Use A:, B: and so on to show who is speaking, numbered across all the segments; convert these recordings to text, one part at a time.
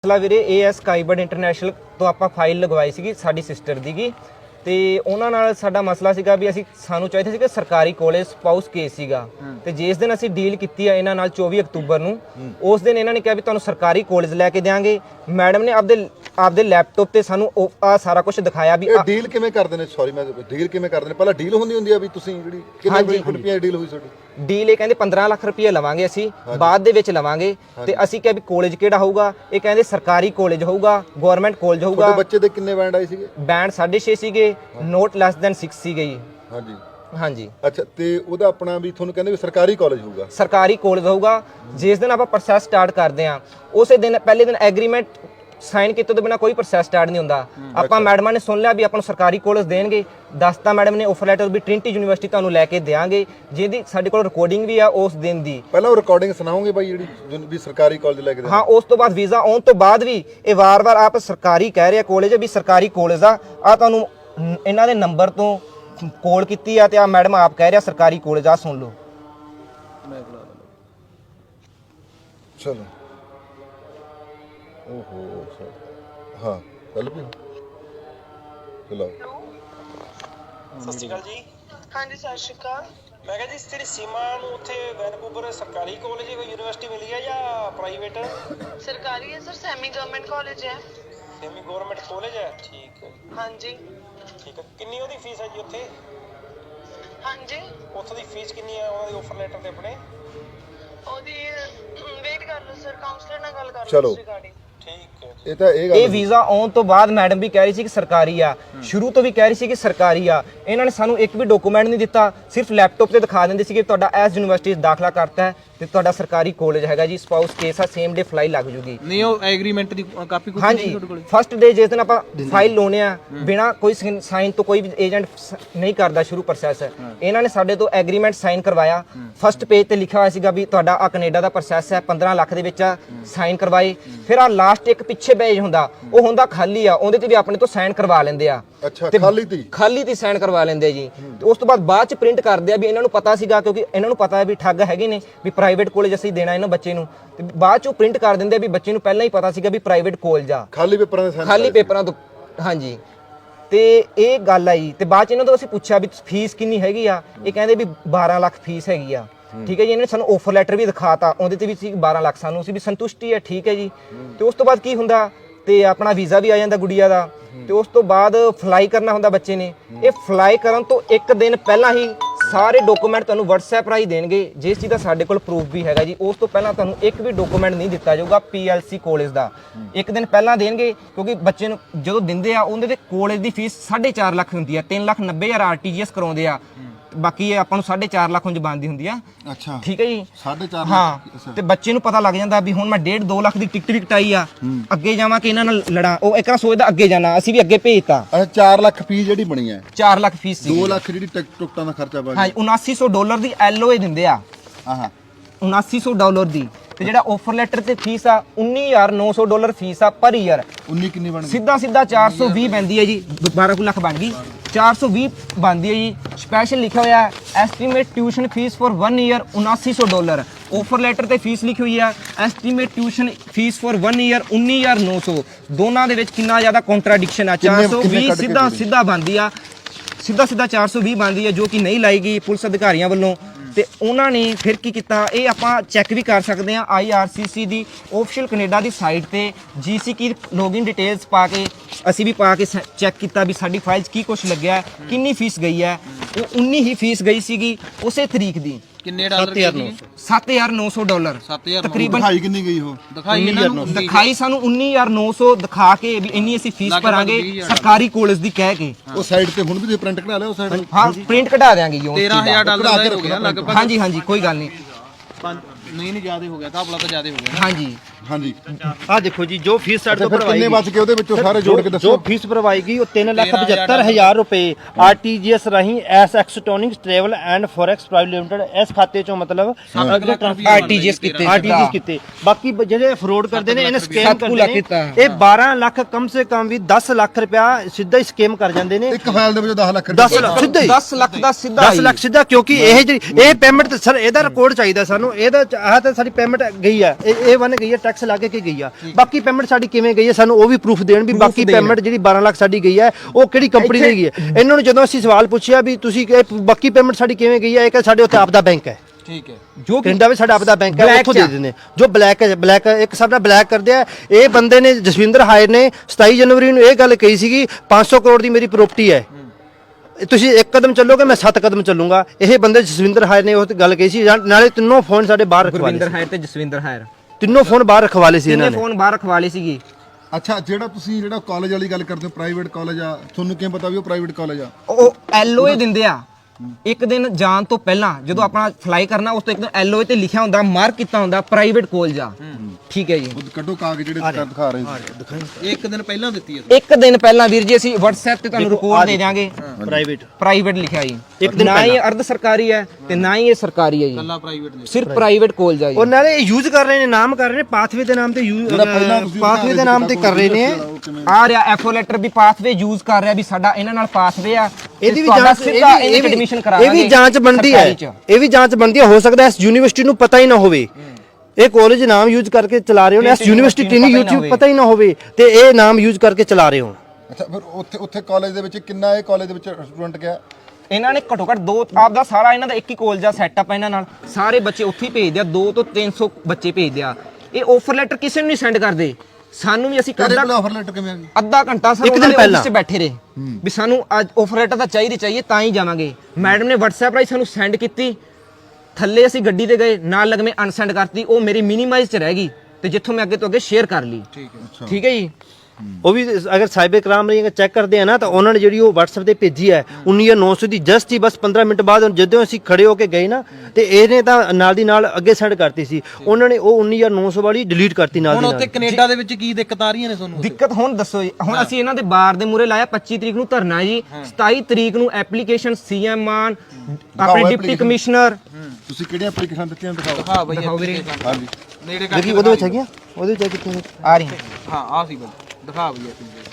A: ਮਸਲਾ ਵੀਰੇ ਇਹ ਹੈ ਸਕਾਈਬਰਡ ਇੰਟਰਨੈਸ਼ਨਲ ਤੋਂ ਆਪਾਂ ਫਾਈਲ ਲਗਵਾਈ ਸੀਗੀ ਸਾਡੀ ਸਿਸਟਰ ਦੀਗੀ ਤੇ ਉਹਨਾਂ ਨਾਲ ਸਾਡਾ ਮਸਲਾ ਸੀਗਾ ਵੀ ਸਾਨੂੰ ਚਾਹੀਦਾ ਸੀ ਕਿ ਸਰਕਾਰੀ ਕਾਲਜ ਸਪਾਊਸ ਕੇਸ ਸੀਗਾ ਤੇ ਜਿਸ ਦਿਨ ਅਸੀਂ ਡੀਲ ਕੀਤੀ ਆ ਇਹਨਾਂ ਨਾਲ 24 ਅਕਤੂਬਰ ਨੂੰ ਉਸ ਦਿਨ ਇਹਨਾਂ ਨੇ ਕਿਹਾ ਵੀ ਤੁਹਾਨੂੰ ਸਰਕਾਰੀ ਕਾਲਜ ਲੈ ਕੇ ਦੇਵਾਂਗੇ। ਮੈਡਮ ਨੇ ਆਪਦੇ ਲੈਪਟਾਪ ਤੇ ਸਾਨੂੰ ਆ ਸਾਰਾ ਕੁਝ ਦਿਖਾਇਆ ਵੀ
B: ਇਹ ਡੀਲ ਕਿਵੇਂ ਕਰਦੇ ਨੇ। ਸੌਰੀ ਮੈਂ ਡੀਲ ਕਿਵੇਂ ਕਰਦੇ ਨੇ, ਪਹਿਲਾਂ ਡੀਲ ਹੁੰਦੀ ਆ ਵੀ ਤੁਸੀਂ ਜਿਹੜੀ ਕਿੰਨੇ ਰੁਪਏ ਡੀਲ ਹੋਈ ਤੁਹਾਡੀ?
A: ਡੀਲ ਇਹ ਕਹਿੰਦੇ 15 ਲੱਖ ਰੁਪਏ ਲਵਾਂਗੇ ਅਸੀਂ ਬਾਅਦ ਦੇ ਵਿੱਚ ਲਵਾਂਗੇ ਤੇ ਅਸੀਂ ਕਿਹਾ ਵੀ ਕਾਲਜ ਕਿਹੜਾ ਹੋਊਗਾ, ਇਹ ਕਹਿੰਦੇ ਸਰਕਾਰੀ ਕਾਲਜ ਹੋਊਗਾ, ਗਵਰਨਮੈਂਟ ਕਾਲਜ ਹੋਊਗਾ।
B: ਤੁਹਾਡੇ ਬੱਚੇ ਦੇ ਕਿੰਨੇ ਬੈਂਡ ਆਏ ਸੀਗੇ?
A: ਬੈਂਡ 6.5 ਸੀਗੇ, ਨੋਟ ਲੈਸ ਦੈਨ 6 ਸੀਗੇ ਜੀ।
B: ਹਾਂਜੀ
A: ਹਾਂਜੀ
B: ਅੱਛਾ, ਤੇ ਉਹਦਾ ਆਪਣਾ ਵੀ ਤੁਹਾਨੂੰ ਕਹਿੰਦੇ ਵੀ ਸਰਕਾਰੀ ਕਾਲਜ ਹੋਊਗਾ,
A: ਸਰਕਾਰੀ ਕਾਲਜ ਹੋਊਗਾ। ਜਿਸ ਦਿਨ ਆਪਾਂ ਪ੍ਰੋਸੈਸ ਸਟਾਰਟ ਕਰਦੇ ਆ ਉਸੇ ਦਿਨ ਪਹਿਲੇ ਦਿਨ ਐਗਰੀਮੈਂਟ ਸਾਈਨ ਕੀਤੇ ਤੋਂ ਬਿਨਾ ਕੋਈ ਪ੍ਰੋਸੈਸ ਸਟਾਰਟ ਨਹੀਂ ਹੁੰਦਾ। ਆਪਾਂ ਮੈਡਮਾਂ ਨੇ ਸੁਣ ਲਿਆ ਵੀ ਆਪਾਂ ਨੂੰ ਸਰਕਾਰੀ ਕਾਲਜ ਦੇਣਗੇ, ਦੱਸਤਾ ਮੈਡਮ ਨੇ ਆਫਰ ਲੈਟਰ ਵੀ ਟ੍ਰਿੰਟੀ ਯੂਨੀਵਰਸਿਟੀ ਤੁਹਾਨੂੰ ਲੈ ਕੇ ਦੇਵਾਂਗੇ, ਜਿਹਦੀ ਸਾਡੇ ਕੋਲ ਰਿਕਾਰਡਿੰਗ ਵੀ ਆ ਉਸ ਦਿਨ ਦੀ।
B: ਪਹਿਲਾਂ ਉਹ ਰਿਕਾਰਡਿੰਗ ਸੁਣਾਓਗੇ ਬਾਈ ਜਿਹੜੀ ਵੀ ਸਰਕਾਰੀ ਕਾਲਜ ਲੈ ਕੇ ਦੇ?
A: ਹਾਂ, ਉਸ ਤੋਂ ਬਾਅਦ ਵੀਜ਼ਾ ਆਉਣ ਤੋਂ ਬਾਅਦ ਵੀ ਇਹ ਵਾਰ-ਵਾਰ ਆਪ ਸਰਕਾਰੀ ਕਹਿ ਰਿਹਾ ਕਾਲਜ ਵੀ ਸਰਕਾਰੀ ਕਾਲਜ ਆ ਤੁਹਾਨੂੰ ਇਹਨਾਂ ਦੇ ਨੰਬਰ ਤੋਂ ਕਾਲ ਕੀਤੀ ਆ ਤੇ ਆ ਮੈਡਮ ਆਪ ਕਹਿ ਰਿਹਾ ਸਰਕਾਰੀ ਕਾਲਜ ਆ, ਸੁਣ ਲਓ।
B: ਚਲੋ ਓਹੋ ਹਾਂ ਚੱਲ ਪਈ ਚਲੋ।
C: ਸਤਿ ਸ਼੍ਰੀ ਅਕਾਲ ਜੀ।
D: ਹਾਂਜੀ ਸਤਿ ਸ਼੍ਰੀ ਅਕਾਲ।
C: ਮੈਂ ਕਿਹਾ ਜੀ ਤੇਰੀ ਸੀਮਾ ਨੂੰ ਉੱਥੇ ਵੈਨਕੂਵਰ ਸਰਕਾਰੀ ਕਾਲਜ ਯੂਨੀਵਰਸਿਟੀ ਮਿਲੀ ਹੈ ਜਾਂ ਪ੍ਰਾਈਵੇਟ?
D: ਸਰਕਾਰੀ ਹੈ ਸਰ, ਸੈਮੀ ਗਵਰਨਮੈਂਟ ਕਾਲਜ ਹੈ।
C: ਸੈਮੀ ਗਵਰਨਮੈਂਟ ਕਾਲਜ ਹੈ, ਠੀਕ ਹੈ।
D: ਹਾਂਜੀ
C: ਠੀਕ ਹੈ, ਕਿੰਨੀ ਉਹਦੀ ਫੀਸ ਹੈ ਜੀ ਉੱਥੇ?
D: ਹਾਂਜੀ
C: ਉੱਥੋਂ ਦੀ ਫੀਸ ਕਿੰਨੀ ਹੈ ਉਹਨਾਂ ਦੀ ਆਫਰ ਲੈਟਰ ਤੇ ਆਪਣੇ?
D: ਉਹਦੀ ਵੇਟ ਕਰ ਲਓ ਸਰ, ਕਾਉਂਸਲਰ ਨਾਲ ਗੱਲ ਕਰ ਲਓ
B: ਚਲੋ।
D: ਇਸ ਰਿਗਾਰਡਿੰਗ।
C: ਠੀਕ ਹੈ।
B: ਇਹ ਤਾਂ ਇਹ ਗੱਲ
A: ਇਹ ਵੀਜ਼ਾ ਆਉਣ ਤੋਂ ਬਾਅਦ ਮੈਡਮ ਵੀ ਕਹਿ ਰਹੀ ਸੀ ਕਿ ਸਰਕਾਰੀ ਆ, ਸ਼ੁਰੂ ਤੋਂ ਵੀ ਕਹਿ ਰਹੀ ਸੀ ਕਿ ਸਰਕਾਰੀ ਆ। ਇਹਨਾਂ ਨੇ ਸਾਨੂੰ ਇੱਕ ਵੀ ਡਾਕੂਮੈਂਟ ਨਹੀਂ ਦਿੱਤਾ, ਸਿਰਫ ਲੈਪਟਾਪ ਤੇ ਦਿਖਾ ਦਿੰਦੇ ਸੀ ਕਿ ਤੁਹਾਡਾ ਇਸ ਯੂਨੀਵਰਸਿਟੀ 'ਚ ਦਾਖਲਾ ਕਰਤਾ ਹੈ ਤੇ ਤੁਹਾਡਾ ਸਰਕਾਰੀ ਕਾਲਜ ਹੈਗਾ ਜੀ, ਸਪਾਊਸ ਕੇਸ ਆ, ਸੇਮ ਡੇ ਫਲਾਈ ਲੱਗ ਜੂਗੀ।
E: ਨਹੀਂ ਉਹ ਐਗਰੀਮੈਂਟ ਦੀ ਕਾਪੀ ਕੁਝ
A: ਹਾਂਜੀ, ਫਸਟ ਡੇ ਜਿਸ ਦਿਨ ਆਪਾਂ ਫਾਈਲ ਲਾਉਣੇ ਆ ਬਿਨਾ ਕੋਈ ਸਾਈਨ ਤੋਂ ਕੋਈ ਵੀ ਏਜੰਟ ਨਹੀਂ ਕਰਦਾ ਸ਼ੁਰੂ ਪ੍ਰੋਸੈਸ। ਇਹਨਾਂ ਨੇ ਸਾਡੇ ਤੋਂ ਐਗਰੀਮੈਂਟ ਸਾਈਨ ਕਰਵਾਇਆ, ਫਸਟ ਪੇਜ ਤੇ ਲਿਖਿਆ ਹੋਇਆ ਸੀਗਾ ਵੀ ਤੁਹਾਡਾ ਆ ਕੈਨੇਡਾ ਦਾ ਪ੍ਰੋਸੈਸ ਹੈ 15 ਲੱਖ ਦੇ ਵਿੱਚ ਸਾਈਨ ਕਰਵਾਏ। ਫਿਰ ਆ ਲਾਸਟ ਇੱਕ ਪਿੱਛੇ ਪੇਜ ਹੁੰਦਾ, ਉਹ ਹੁੰਦਾ ਖਾਲੀ ਆ, ਉਹਦੇ ਤੇ ਵੀ ਆਪਣੇ ਤੋਂ ਸਾਈਨ ਕਰਵਾ ਲੈਂਦੇ ਆ।
B: ਅੱਛਾ, ਖਾਲੀ
A: ਤੇ ਸਾਈਨ ਕਰਵਾ ਲੈਂਦੇ ਆ ਜੀ। ਤੇ ਉਸ ਤੋਂ ਬਾਅਦ ਚ ਪ੍ਰਿੰਟ ਕਰਦੇ ਆ ਵੀ ਇਹਨਾਂ ਨੂੰ ਪਤਾ ਸੀਗਾ, ਕਿਉਂਕਿ ਇਹਨਾਂ ਨੂੰ ਪਤਾ ਹੈ ਵੀ ਠੱਗ ਹੈਗੇ ਨੇ ਵੀ ਪ੍ਰਾਈਵੇਟ ਕਾਲਜ ਅਸੀਂ ਦੇਣਾ ਇਹਨਾਂ ਬੱਚੇ ਨੂੰ, ਤੇ ਬਾਅਦ ਚੋਂ ਪ੍ਰਿੰਟ ਕਰ ਦਿੰਦੇ ਆ ਵੀ ਬੱਚੇ ਨੂੰ ਪਹਿਲਾਂ ਹੀ ਪਤਾ ਸੀਗਾ ਵੀ ਪ੍ਰਾਈਵੇਟ ਕਾਲਜ ਆ,
B: ਖਾਲੀ ਪੇਪਰਾਂ ਦੇ
A: ਖਾਲੀ ਪੇਪਰਾਂ ਤੋਂ। ਹਾਂਜੀ, ਤੇ ਇਹ ਗੱਲ ਆਈ ਤੇ ਬਾਅਦ ਚ ਇਹਨਾਂ ਤੋਂ ਅਸੀਂ ਪੁੱਛਿਆ ਵੀ ਫੀਸ ਕਿੰਨੀ ਹੈਗੀ ਆ, ਇਹ ਕਹਿੰਦੇ ਵੀ 12 ਲੱਖ ਫੀਸ ਹੈਗੀ ਆ। ਠੀਕ ਹੈ ਜੀ, ਇਹਨੇ ਸਾਨੂੰ ਆਫਰ ਲੈਟਰ ਵੀ ਦਿਖਾਤਾ, ਉਹਦੇ ਤੇ ਵੀ ਸੀ 12 ਲੱਖ, ਸਾਨੂੰ ਅਸੀਂ ਵੀ ਸੰਤੁਸ਼ਟੀ ਹੈ, ਠੀਕ ਹੈ ਜੀ। ਤੇ ਉਸ ਤੋਂ ਬਾਅਦ ਕੀ ਹੁੰਦਾ ਤੇ ਆਪਣਾ ਵੀਜ਼ਾ ਵੀ ਆ ਜਾਂਦਾ ਗੁੜੀਆ ਦਾ, ਤੇ ਉਸ ਤੋਂ ਬਾਅਦ ਫਲਾਈ ਕਰਨਾ ਹੁੰਦਾ ਬੱਚੇ ਨੇ। ਇਹ ਫਲਾਈ ਕਰਨ ਤੋਂ ਇੱਕ ਦਿਨ ਪਹਿਲਾਂ ਹੀ ਸਾਰੇ ਡਾਕੂਮੈਂਟ ਤੁਹਾਨੂੰ WhatsApp ਰਾਹੀਂ ਦੇਣਗੇ, ਜਿਸ ਚੀਜ਼ ਦਾ ਸਾਡੇ ਕੋਲ ਪ੍ਰੂਫ ਵੀ ਹੈਗਾ ਜੀ। ਉਸ ਤੋਂ ਪਹਿਲਾਂ ਤੁਹਾਨੂੰ ਇੱਕ ਵੀ ਡਾਕੂਮੈਂਟ ਨਹੀਂ ਦਿੱਤਾ ਜਾਊਗਾ PLC ਕਾਲਜ ਦਾ, ਇੱਕ ਦਿਨ ਪਹਿਲਾਂ ਦੇਣਗੇ, ਕਿਉਂਕਿ ਬੱਚੇ ਨੂੰ ਜਦੋਂ ਦਿੰਦੇ ਆ ਉਹਦੇ ਤੇ ਕਾਲਜ ਦੀ ਫੀਸ 4.5 ਲੱਖ ਹੁੰਦੀ ਆ, 3,90,000 RTGS ਕਰਾਉਂਦੇ ਆ, ਬਾਕੀ ਇਹ ਆਪਾਂ ਨੂੰ 4.5 ਲੱਖ ਉਂਝ ਬਣਦੀ ਹੁੰਦੀ ਆ।
B: ਅੱਛਾ,
A: ਠੀਕ ਹੈ ਜੀ।
B: 4.5
A: ਹਾਂ, ਤੇ ਬੱਚੇ ਨੂੰ ਪਤਾ ਲੱਗ ਜਾਂਦਾ ਵੀ ਹੁਣ ਮੈਂ 1.5-2 ਲੱਖ ਦੀ ਟਿਕਟ ਵੀ ਕਟਾਈ ਆ, ਅੱਗੇ ਜਾਵਾਂ ਕਿ ਇਹਨਾਂ ਨਾਲ ਲੜਾਂ। ਉਹ ਇੱਕ ਵਾਰ ਸੋਚਦਾ ਅੱਗੇ ਜਾਣਾ, ਅਸੀਂ ਵੀ ਅੱਗੇ ਭੇਜਤਾ।
B: ਅੱਛਾ, 4 ਲੱਖ ਫੀਸ ਜਿਹੜੀ ਬਣੀ ਹੈ,
A: 4 ਲੱਖ ਫੀਸ ਸੀ,
B: 2 ਲੱਖ ਜਿਹੜੀ ਟਿਕਟਾਂ ਦਾ ਖਰਚਾ ਬਣ ਗਿਆ।
A: ਹਾਂ, $7900 ਦੀ LOA ਦਿੰਦੇ ਆ।
B: ਆਹਾਂ,
A: $7900 ਦੀ। ਤੇ ਜਿਹੜਾ ਆਫਰ ਲੈਟਰ ਤੇ ਫੀਸ ਆ $19,900 ਫੀਸ ਆ ਪਰ ਈਅਰ।
B: 19 ਕਿੰਨੀ ਬਣ ਗਈ?
A: ਸਿੱਧਾ 420 ਬੰਦੀ ਹੈ ਜੀ, 12 ਲੱਖ ਬਣ ਗਈ, 420 ਬਣਦੀ ਹੈ ਜੀ। ਸਪੈਸ਼ਲ ਲਿਖਿਆ ਹੋਇਆ ਹੈ estimate tuition fee for 1 year $8900। Offer letter ਤੇ ਫੀਸ ਲਿਖੀ ਹੋਈ ਹੈ estimate tuition fee for 1 year $19,900। ਦੋਨਾਂ ਦੇ ਵਿੱਚ ਕਿੰਨਾ ਜ਼ਿਆਦਾ ਕੰਟਰਾਡਿਕਸ਼ਨ ਆ। 420 ਸਿੱਧਾ ਬਣਦੀ ਆ, ਸਿੱਧਾ 420 ਬਣਦੀ ਹੈ, ਜੋ ਕਿ ਨਹੀਂ ਲਾਈ ਗਈ ਪੁਲਿਸ ਅਧਿਕਾਰੀਆਂ ਵੱਲੋਂ। ਤੇ ਉਹਨਾਂ ਨੇ ਫਿਰ ਕੀ ਕੀਤਾ, ਇਹ ਆਪਾਂ ਚੈੱਕ ਵੀ ਕਰ ਸਕਦੇ ਹਾਂ IRCC ਦੀ ਆਫੀਸ਼ੀਅਲ ਕੈਨੇਡਾ ਦੀ ਸਾਈਟ ਤੇ GC ਕੀ ਲੌਗਇਨ ਡਿਟੇਲਸ ਪਾ ਕੇ ਅਸੀਂ ਵੀ ਪਾ ਕੇ ਚੈੱਕ ਕੀਤਾ ਵੀ ਸਾਡੀ ਫਾਈਲ 'ਚ ਕੀ ਕੁਛ ਲੱਗਿਆ, ਕਿੰਨੀ ਫੀਸ ਗਈ ਹੈ। ਉਹ 19 ਹੀ ਫੀਸ ਗਈ ਸੀਗੀ ਉਸੇ ਤਰੀਕ ਦੀ।
E: ਕਿੰਨੇ ਡਾਲਰ?
A: $7,900 ਤਕਰੀਬਨ।
B: ਦਿਖਾਈ ਕਿੰਨੀ ਗਈ ਉਹ?
A: ਦਿਖਾਈ ਸਾਨੂੰ 19,900 ਦਿਖਾ ਕੇ ਵੀ ਇੰਨੀ ਅਸੀਂ ਫੀਸ ਭਰਾਂਗੇ ਸਰਕਾਰੀ ਕਾਲਜ ਦੀ ਕਹਿ ਕੇ।
B: ਉਹ ਸਾਈਡ ਤੇ ਹੁਣ ਵੀ ਤੁਸੀਂ ਪ੍ਰਿੰਟ ਕਢਾ ਲਿਆ ਉਹ ਸਾਈਡ?
A: ਹਾਂ, ਪ੍ਰਿੰਟ ਕਢਾ ਦਿਆਂਗੇ ਜੀ।
E: $13,000 ਦਾ ਹੋ ਗਿਆ ਲਗਭਗ।
A: ਹਾਂਜੀ ਹਾਂਜੀ, ਕੋਈ ਗੱਲ ਨਹੀਂ।
E: ਨਹੀਂ ਜ਼ਿਆਦਾ ਹੋ ਗਿਆ, ਕਾਬਲਾ ਤਾਂ ਜ਼ਿਆਦਾ ਹੋ ਗਿਆ।
A: ਹਾਂਜੀ
B: ਹਾਂਜੀ,
F: ਆ ਦੇਖੋ ਜੀ, ਜੋ ਫੀਸ ਸਾਡੇ ਤੋਂ ਭਰਵਾਈ
B: ਕਿੰਨੇ ਬਚ ਕੇ ਉਹਦੇ ਵਿੱਚੋਂ ਸਾਰੇ ਜੋੜ ਕੇ ਦੱਸੋ।
F: ਜੋ ਫੀਸ ਭਰਵਾਈ ਗਈ ਉਹ 3,75,000 ਰੁਪਏ RTGS ਰਾਹੀਂ S Extonic travel and forex private limited ਇਸ ਖਾਤੇ ਚੋਂ ਮਤਲਬ
A: RTGS
F: ਕੀਤੇ। ਬਾਕੀ ਜਿਹੜੇ ਫਰੋਡ ਕਰਦੇ ਨੇ ਇਹਨੇ ਸਕੈਮ ਕਰਦੇ ਨੇ, ਇਹ 12 ਲੱਖ ਕਮ ਸੇ ਕਮ ਵੀ 10 ਲੱਖ ਰੁਪਇਆ ਸਿੱਧਾ ਹੀ ਸਕੈਮ ਕਰ ਜਾਂਦੇ ਨੇ।
B: ਇੱਕ ਫਾਈਲ ਦੇ ਵਿੱਚੋਂ 10 ਲੱਖ
F: 10 ਲੱਖ ਸਿੱਧਾ ਹੀ
A: 10 ਲੱਖ ਦਾ ਸਿੱਧਾ
F: 10 ਲੱਖ ਸਿੱਧਾ। ਕਿਉਂਕਿ ਇਹ ਜਿਹੜੀ ਇਹ ਪੇਮੈਂਟ ਸਰ ਇਹਦਾ ਰਿਕਾਰਡ ਚਾਹੀਦਾ ਸਾਨੂੰ, ਇਹਦਾ ਆਹ ਤਾਂ ਸਾਡੀ ਪੇਮੈਂਟ ਗਈ ਆ, ਇਹ ਬਣ ਗਈ ਆ, ਟੈਕਸ ਲਾ ਕੇ ਗਈ ਆ। ਬਾਕੀ ਪੇਮੈਂਟ ਸਾਡੀ ਕਿਵੇਂ ਗਈ ਹੈ ਸਾਨੂੰ ਉਹ ਵੀ ਪ੍ਰੂਫ ਦੇਣ ਵੀ ਬਾਕੀ ਪੇਮੈਂਟ ਜਿਹੜੀ 12 ਲੱਖ ਸਾਡੀ ਗਈ ਹੈ ਉਹ ਕਿਹੜੀ ਕੰਪਨੀ ਦੀ ਗਈ ਹੈ। ਇਹਨਾਂ ਨੂੰ ਜਦੋਂ ਅਸੀਂ ਸਵਾਲ ਪੁੱਛਿਆ ਵੀ ਤੁਸੀਂ ਬਾਕੀ ਪੇਮੈਂਟ ਸਾਡੀ ਕਿਵੇਂ ਗਈ ਹੈ, ਇਹ ਕਿ ਸਾਡੇ ਉੱਤੇ ਆਪਦਾ ਬੈਂਕ ਹੈ।
E: ਠੀਕ ਹੈ,
F: ਜੋ ਕੈਨੇਡਾ ਵਿੱਚ ਸਾਡਾ ਆਪਦਾ ਬੈਂਕ ਹੈ, ਉੱਥੋਂ ਦੇ ਦਿੰਦੇ ਜੋ ਬਲੈਕ ਹੈ, ਬਲੈਕ ਇੱਕ ਸਾਡਾ ਬਲੈਕ ਕਰਦੇ ਆ। ਇਹ ਬੰਦੇ ਨੇ ਜਸਵਿੰਦਰ ਹਾਇਰ ਨੇ 27 ਜਨਵਰੀ ਨੂੰ ਇਹ ਗੱਲ ਕਹੀ ਸੀਗੀ 500 ਕਰੋੜ ਦੀ ਮੇਰੀ ਪ੍ਰਾਪਰਟੀ ਹੈ, ਤੁਸੀਂ ਇੱਕ ਕਦਮ ਚੱਲੋਗੇ ਮੈਂ 7 ਕਦਮ ਚੱਲੂੰਗਾ। ਇਹ ਬੰਦੇ ਜਸਵਿੰਦਰ ਹਾਇਰ ਨੇ ਉਹ ਗੱਲ ਕਹੀ ਸੀ। ਨਾਲੇ ਤਿੰਨੋਂ ਫੋਨ ਸਾਡੇ ਬਾਹਰ ਰਖਵਾ ਲਏ,
A: ਗੁਰਵਿੰਦਰ ਹਾਇਰ ਤੇ ਜਸਵਿੰਦਰ ਹਾਇਰ
F: ਤਿੰਨੋਂ ਫੋਨ ਬਾਹਰ ਰਖਵਾ ਲਏ ਸੀ ਇਹਨਾਂ ਨੇ।
A: ਫੋਨ ਬਾਹਰ ਰਖਵਾ ਲਏ ਸੀਗੇ।
B: ਅੱਛਾ, ਜਿਹੜਾ ਕਾਲਜ ਵਾਲੀ ਗੱਲ ਕਰਦੇ ਹੋ, ਪ੍ਰਾਈਵੇਟ ਕਾਲਜ ਆ, ਤੁਹਾਨੂੰ ਕਿਵੇਂ ਪਤਾ ਵੀ ਉਹ ਪ੍ਰਾਈਵੇਟ ਕਾਲਜ ਆ?
A: ਉਹ ਐਲਓਏ ਦਿੰਦੇ ਆ ਇੱਕ ਦਿਨ ਜਾਣ ਤੋਂ ਪਹਿਲਾਂ, ਜਦੋਂ ਆਪਣਾ ਫਲਾਈ ਕਰਨਾ ਉਸ ਤੋਂ ਇੱਕ ਦਿਨ ਐਲਓਏ ਤੇ ਲਿਖਿਆ ਹੁੰਦਾ, ਮਾਰਕ ਕੀਤਾ ਹੁੰਦਾ ਪ੍ਰਾਈਵੇਟ ਕਾਲਜ ਆ। ਠੀਕ ਹੈ ਜੀ,
B: ਉਹ ਕੱਢੋ ਕਾਗਜ਼ ਜਿਹੜੇ ਦਿਖਾ ਰਹੇ ਸੀ।
E: ਇਹ ਇੱਕ ਦਿਨ ਪਹਿਲਾਂ ਦਿੱਤੀ ਹੈ।
A: ਇੱਕ ਦਿਨ ਪਹਿਲਾਂ ਵੀਰ ਜੀ ਅਸੀਂ WhatsApp ਤੇ ਤੁਹਾਨੂੰ ਰਿਕਾਰਡ ਦੇ ਦਿਆਂਗੇ। ਪ੍ਰਾਈਵੇਟ ਲਿਖਿਆ ਜੀ,
F: ਇੱਕ ਦਿਨ
A: ਨਾ ਹੀ ਅਰਧ ਸਰਕਾਰੀ ਹੈ ਤੇ ਨਾ ਹੀ ਇਹ ਸਰਕਾਰੀ ਹੈ ਜੀ,
E: ਕੱਲਾ ਪ੍ਰਾਈਵੇਟ ਨੇ।
A: ਸਿਰਫ ਪ੍ਰਾਈਵੇਟ ਕਾਲਜ ਆ ਜੀ।
F: ਉਹ ਨਾਲੇ ਯੂਜ਼ ਕਰ ਰਹੇ ਨੇ, ਨਾਮ ਕਰ ਰਹੇ ਨੇ ਪਾਥਵੇ ਦੇ ਨਾਮ ਤੇ ਪਾਥਵੇ ਦੇ ਨਾਮ ਤੇ ਕਰ ਰਹੇ ਨੇ।
A: ਆ ਰਿਹਾ ਐਫਓ ਲੈਟਰ ਵੀ ਪਾਥਵੇ ਯੂਜ਼ ਕਰ ਰਿਹਾ ਵੀ ਸਾਡਾ ਇਹਨਾਂ ਨਾਲ ਪਾਥਵੇ ਆ।
F: ਇਹਦੀ ਵੀ
A: ਤੁਹਾਡਾ
F: ਜਾਂਚ
A: ਸਿੱਧਾ ਐਡਮਿਸ਼ਨ ਕਰਾਵਾਂਗੇ।
F: ਇਹ ਵੀ ਜਾਂਚ ਬਣਦੀ ਹੈ, ਇਹ ਵੀ ਜਾਂਚ ਬਣਦੀ ਹੈ। ਹੋ ਸਕਦਾ ਇਸ ਯੂਨੀਵਰਸਿਟੀ ਨੂੰ ਪਤਾ ਹੀ ਨਾ ਹੋਵੇ, ਇਹ ਕਾਲਜ ਨਾਮ ਯੂਜ਼ ਕਰਕੇ ਚਲਾ ਰਹੇ ਹੋ, ਇਸ ਯੂਨੀਵਰਸਿਟੀ ਨੂੰ YouTube ਪਤਾ ਹੀ ਨਾ ਹੋਵੇ ਤੇ ਇਹ ਨਾਮ ਯੂਜ਼ ਕਰਕੇ ਚਲਾ ਰਹੇ ਹੋ।
B: ਅੱਛਾ, ਫਿਰ ਉੱਥੇ ਕਾਲਜ ਦੇ ਵਿੱਚ ਕਿੰਨਾ ਇਹ ਕਾਲਜ ਦੇ ਵਿੱਚ ਸਟੂਡੈਂਟ ਗਿਆ?
A: ਇਹਨਾਂ ਨੇ ਘੱਟੋ ਘੱਟ ਦੋ ਆਪਦਾ ਸਾਰਾ ਇਹਨਾਂ ਦਾ ਇੱਕ ਹੀ ਕਾਲਜ ਆ ਸੈਟਅਪ ਇਹਨਾਂ ਨਾਲ, ਸਾਰੇ ਬੱਚੇ ਉੱਥੇ ਹੀ ਭੇਜਦੇ ਆ, 200 ਤੋਂ 300 ਬੱਚੇ ਭੇਜਦੇ ਆ। ਇਹ ਆਫਰ ਲੈਟਰ ਕਿਸੇ ਨੂੰ ਨਹੀਂ ਸੈਂਡ ਕਰਦੇ, ਸਾਨੂੰ ਵੀ ਅਸੀਂ
B: ਤੇਰੇ ਕੋਲ ਆਫਰ ਲੈਟਰ ਕਿਵੇਂ ਆ ਗਈ?
A: ਅੱਧਾ ਘੰਟਾ ਸਾਨੂੰ
F: ਇੱਕ ਦਿਨ ਪਹਿਲਾਂ
A: ਆਫਿਸ 'ਚ ਬੈਠੇ ਰਹੇ ਵੀ ਸਾਨੂੰ ਅੱਜ ਆਫਰ ਲੈਟਰ ਤਾਂ ਚਾਹੀਏ ਤਾਂ ਹੀ ਜਾਵਾਂਗੇ। ਮੈਡਮ ਨੇ WhatsApp ਰਾਹੀਂ ਸਾਨੂੰ ਸੈਂਡ ਕੀਤੀ, ਥੱਲੇ ਅਸੀਂ ਗੱਡੀ ਤੇ ਗਏ, ਨਾਲ ਲਗਵੇਂ ਅਨਸੈਂਡ ਕਰਤੀ, ਉਹ ਮੇਰੀ ਮਿਨੀਮਾਈਜ਼ 'ਚ ਰਹਿ ਗਈ ਤੇ ਜਿੱਥੋਂ ਮੈਂ ਅੱਗੇ ਤੋਂ ਅੱਗੇ ਸ਼ੇਅਰ ਕਰ ਲਈ। ਠੀਕ ਹੈ ਜੀ।
F: ਉਹ ਵੀ ਅਗਰ ਸਾਈਬਰ ਕ੍ਰਾਈਮ ਰਹੀ ਚੈੱਕ ਕਰਦੇ ਆ ਨਾ ਤਾਂ ਉਹਨਾਂ ਨੇ ਜਿਹੜੀ ਉਹ WhatsApp ਤੇ ਭੇਜੀ ਹੈ 19900 ਦੀ ਜਸਟ ਹੀ ਬਸ 15 ਮਿੰਟ ਬਾਅਦ ਜਦੋਂ ਅਸੀਂ ਖੜੇ ਹੋ ਕੇ ਗਏ ਨਾ ਤੇ ਇਹਨੇ ਤਾਂ ਨਾਲ ਦੀ ਨਾਲ ਅੱਗੇ ਸੈਂਡ ਕਰਤੀ ਸੀ, ਉਹਨਾਂ ਨੇ ਉਹ 19900 ਵਾਲੀ ਡਿਲੀਟ ਕਰਤੀ ਨਾਲ
E: ਹੁਣ
F: ਦੀ
E: ਉੱਥੇ
F: ਨਾਲ।
E: ਕੈਨੇਡਾ ਦੇ ਵਿੱਚ ਕੀ ਦਿੱਕਤ ਆ ਰਹੀਆਂ ਨੇ ਤੁਹਾਨੂੰ?
A: ਦਿੱਕਤ ਹੁਣ ਦੱਸੋ ਜੀ। ਹੁਣ ਅਸੀਂ ਇਹਨਾਂ ਦੇ ਬਾਰ ਦੇ ਮੂਹਰੇ ਲਾਇਆ 25 ਤਰੀਕ ਨੂੰ ਧਰਨਾ ਜੀ, 27 ਤਰੀਕ ਨੂੰ ਐਪਲੀਕੇਸ਼ਨ CM ਮਾਨ ਆਪਣੇ ਡਿਪਟੀ ਕਮਿਸ਼ਨਰ।
B: ਤੁਸੀਂ ਕਿਹੜੀਆਂ ਐਪਲੀਕੇਸ਼ਨ ਦਿੱਤੀਆਂ ਦਿਖਾਓ।
E: ਹਾਂ ਬਈ,
A: ਦਿਖਾਓ ਵੀਰੇ।
B: ਹਾਂਜੀ,
E: ਨੇੜੇ
F: ਦੇਖੀ ਉਹਦੇ ਵਿੱਚ ਹੈਗੀਆਂ, ਉਹਦੇ ਵਿੱਚ ਕਿੱਥੇ
A: ਆ ਰਹੀ
E: ਹਾਂ ਆ ਸੀ ਬਈ, ਦਿਖਾ ਬਈ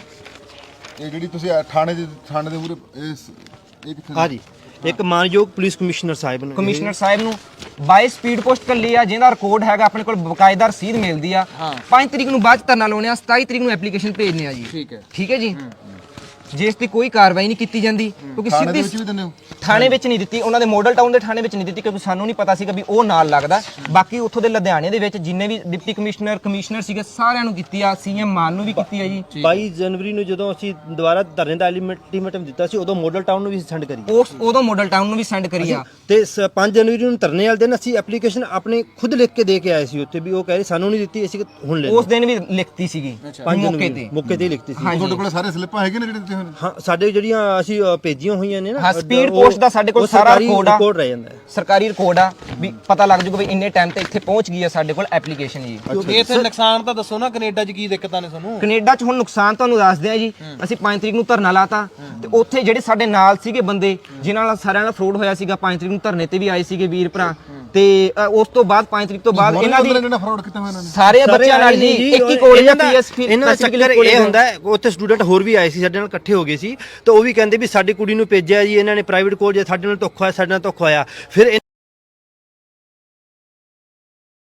B: ਇਹ ਜਿਹੜੀ ਤੁਸੀਂ ਥਾਣੇ ਦੇ ਮੂਹਰੇ ਇਹ ਕਿੱਥੇ?
F: ਹਾਂਜੀ, ਇੱਕ ਮਾਨਯੋਗ ਪੁਲਿਸ ਕਮਿਸ਼ਨਰ ਸਾਹਿਬ ਨੇ
A: ਕਮਿਸ਼ਨਰ ਸਾਹਿਬ ਨੂੰ ਬਾਈ ਸਪੀਡ ਪੋਸਟ ਕੱਲੀ ਆ, ਜਿਹਦਾ ਰਿਕਾਰਡ ਹੈਗਾ ਆਪਣੇ ਕੋਲ, ਬਕਾਇਦਾ ਰਸੀਦ ਮਿਲਦੀ ਆ। 5 ਤਰੀਕ ਨੂੰ ਬਾਅਦ 'ਚ ਧਰਨਾ ਲਾਉਣੇ ਆ, 27 ਤਰੀਕ ਨੂੰ ਐਪਲੀਕੇਸ਼ਨ ਭੇਜਨੇ ਆ ਜੀ। ਠੀਕ ਹੈ ਜੀ। ਜੇ ਇਸ ਤੇ ਕੋਈ ਕਾਰਵਾਈ ਨਹੀਂ ਕੀਤੀ ਜਾਂਦੀ ਕਿਉਂਕਿ
B: ਥਾਣੇ ਦੇ
A: ਸਿੱਧੀ
B: ਵਿੱਚ ਵੀ ਦਿੰਦੇ ਹੋ?
A: ਥਾਣੇ ਵਿੱਚ ਨਹੀਂ ਦਿੱਤੀ, ਉਹਨਾਂ ਦੇ ਮਾਡਲ ਟਾਊਨ ਦੇ ਥਾਣੇ ਵਿੱਚ ਨਹੀਂ ਦਿੱਤੀ ਕਿਉਂਕਿ ਸਾਨੂੰ ਨਹੀਂ ਪਤਾ ਸੀਗਾ ਵੀ ਉਹ ਨਾਲ ਲੱਗਦਾ। ਬਾਕੀ ਉੱਥੋਂ ਦੇ ਲੁਧਿਆਣੇ ਦੇ ਵਿੱਚ ਜਿੰਨੇ ਵੀ ਡਿਪਟੀ ਕਮਿਸ਼ਨਰ ਸੀਗੇ ਸਾਰਿਆਂ ਨੂੰ ਕੀਤੀ ਆ, CM ਮਾਨ ਨੂੰ ਵੀ ਕੀਤੀ ਆ ਜੀ।
F: 22 ਜਨਵਰੀ ਨੂੰ ਜਦੋਂ ਅਸੀਂ ਦੁਬਾਰਾ ਧਰਨੇ ਦਾ ਅਲਟੀਮੇਟਮ ਦਿੱਤਾ ਸੀ ਉਦੋਂ ਮਾਡਲ ਟਾਊਨ ਨੂੰ ਵੀ ਸੈਂਡ ਕਰੀ
A: ਉਦੋਂ ਮਾਡਲ ਟਾਊਨ ਨੂੰ ਵੀ ਸੈਂਡ ਕਰੀ ਆ।
F: ਤੇ 5 ਜਨਵਰੀ ਨੂੰ ਧਰਨੇ ਵਾਲੇ ਦਿਨ ਅਸੀਂ ਐਪਲੀਕੇਸ਼ਨ ਆਪਣੇ ਖੁਦ ਲਿਖ ਕੇ ਦੇ ਕੇ ਆਏ ਸੀ ਉੱਥੇ ਵੀ ਉਹ ਕਹਿ ਰਹੇ ਸਾਨੂੰ ਨਹੀਂ ਦਿੱਤੀ, ਅਸੀਂ ਹੁਣ ਲੈ
A: ਉਸ ਦਿਨ ਵੀ ਲਿਖਤੀ ਸੀਗੀ
F: ਮੌਕੇ ਤੇ ਲਿਖਤੀ ਸੀ।
B: ਤੁਹਾਡੇ ਕੋਲ ਸਾਰੇ ਸਲਿੱਪਾਂ ਹੈਗੇ ਨੇ ਜਿਹੜੇ ਦਿੱਤੇ ਹੋਏ ਨੇ?
F: ਹਾਂ, ਸਾਡੇ ਜਿਹੜੀਆਂ ਅਸੀਂ ਭੇਜੀਆਂ ਹੋਈਆਂ ਨੇ ਨਾ,
A: ਹਾਂ, ਸਪੀਡ ਪੋਸਟ ਦਾ ਸਾਡੇ ਕੋਲ ਸਾਰਾ
F: ਰਿਕਾਰਡ ਰਹਿ ਜਾਂਦਾ ਹੈ,
A: ਸਰਕਾਰੀ ਰਿਕਾਰਡ ਆ ਵੀ ਪਤਾ ਲੱਗ ਜੂਗਾ ਵੀ ਇੰਨੇ ਟਾਈਮ ਤੇ ਇੱਥੇ ਪਹੁੰਚ ਗਈ ਆ ਸਾਡੇ ਕੋਲ ਐਪਲੀਕੇਸ਼ਨ ਜੀ।
E: ਇੱਥੇ ਨੁਕਸਾਨ ਤਾਂ ਦੱਸੋ ਨਾ, ਕੈਨੇਡਾ 'ਚ ਕੀ ਦਿੱਕਤਾਂ ਨੇ ਤੁਹਾਨੂੰ?
A: ਕੈਨੇਡਾ 'ਚ ਹੁਣ ਨੁਕਸਾਨ ਤੁਹਾਨੂੰ ਦੱਸਦੇ ਆ ਜੀ। ਅਸੀਂ 5 ਤਰੀਕ ਨੂੰ ਧਰਨਾ ਲਾਤਾ ਤੇ ਉੱਥੇ ਜਿਹੜੇ ਸਾਡੇ ਨਾਲ ਸੀਗੇ ਬੰਦੇ ਜਿਨ੍ਹਾਂ ਨਾਲ ਸਾਰਿਆਂ ਨਾਲ ਫਰੋਡ ਹੋਇਆ ਸੀਗਾ, 5 ਤਰੀਕ ਨੂੰ ਧਰਨੇ ਤੇ ਵੀ ਆਏ ਸੀਗੇ ਵੀਰ ਭਰਾ। ਤੇ ਉਸ ਤੋਂ ਬਾਅਦ 5 ਤਰੀਕ ਤੋਂ ਬਾਅਦ ਇਹਨਾਂ ਦੀ
B: ਫਰਾਡ ਕੀਤਾ ਹੋਇਆ ਇਹਨਾਂ ਨੇ
A: ਸਾਰੇ ਬੱਚਿਆਂ ਨਾਲ ਜੀ ਇੱਕ ਹੀ ਕਾਲਜ ਆ PS
F: ਇਹਨਾਂ ਦਾ ਚੱਕਰ ਇਹ ਹੁੰਦਾ ਹੈ, ਉੱਥੇ ਸਟੂਡੈਂਟ ਹੋਰ ਵੀ ਆਏ ਸੀ ਸਾਡੇ ਨਾਲ ਇਕੱਠੇ ਹੋ ਗਏ ਸੀ ਤੇ ਉਹ ਵੀ ਕਹਿੰਦੇ ਵੀ ਸਾਡੀ ਕੁੜੀ ਨੂੰ ਭੇਜਿਆ ਜੀ ਇਹਨਾਂ ਨੇ ਪ੍ਰਾਈਵੇਟ ਕਾਲਜ, ਸਾਡੇ ਨਾਲ ਧੋਖਾ ਹੋਇਆ, ਸਾਡੇ ਨਾਲ ਧੋਖਾ ਹੋਇਆ। ਫਿਰ